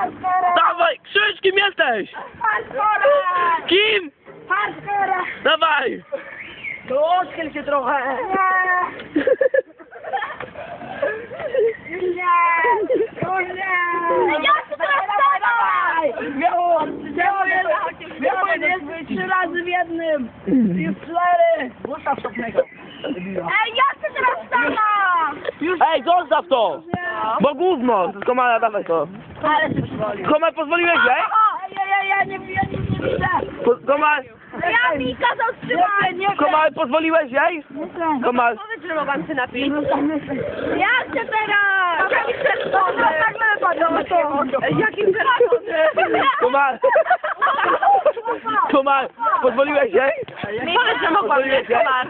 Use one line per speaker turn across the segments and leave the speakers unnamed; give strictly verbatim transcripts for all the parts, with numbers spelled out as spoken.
Hardcore!
Dawaj, krzycz, kim jesteś?
Hardcore!
Kim?
Hardcore!
Dawaj!
To odchyl się trochę! Nie! Już nie! Już nie! Ja się teraz dawaj! Miało! Miało jest trzy razy w jednym! Już cztery! Ustaw szopnego! Ej, ja chcę teraz sama! Już
Ej, zostaw to! Bo gówno! Komara, dawaj to.
ale się przywoli!
Komar, pozwoliłeś jej?
Ja, ja, ja nie, ja nie, nie widzę!
Po, Komar,
Ja mi kazał trzymać! Nie,
Komar, pozwoliłeś jej? Komar,
Powiedz, że mogłam się napić. Ja chcę teraz! Jaki przeszkody? No tak wypadło to. Jakim przeszkody?
Komar, Komar, pozwoliłeś jej?
Powiedz, że mogłam
Pozwoliłeś
mieć
jej?
komar.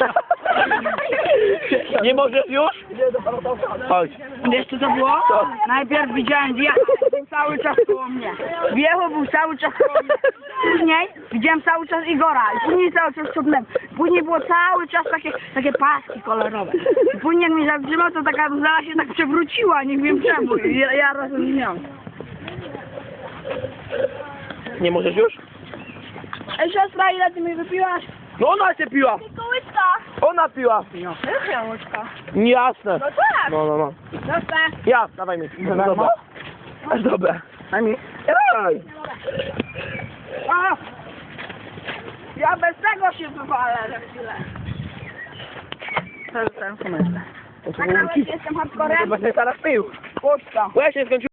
Nie możesz już? Chodź.
Wiesz co to było?
Co?
Najpierw widziałem wjechał, był cały czas koło mnie. Wjechał, był cały czas koło mnie. Później widziałem cały czas Igora i później cały czas cofnąłem. Później było cały czas takie, takie paski kolorowe. I później jak mnie zatrzymał, to taka zaraz się tak przewróciła, nie wiem czemu. I ja, ja razem z nią.
Nie możesz już?
Ej siostra, ile ty mi wypiłaś?
No ona się piła!
Kołyska.
Ona piła!
Jakia łyżka?
Jasne.
No tak.
No, no, no.
Dobra.
Ja, dawaj mi. No dobra. Aż dobra. Daj mi. Ej!
A! Ja bez tego się wywalę za chwilę. To już ten komentarz. Nagrałeś, jestem hardcorem?
Chyba się teraz pił.
Puszcza.
Bo ja się skończyłem.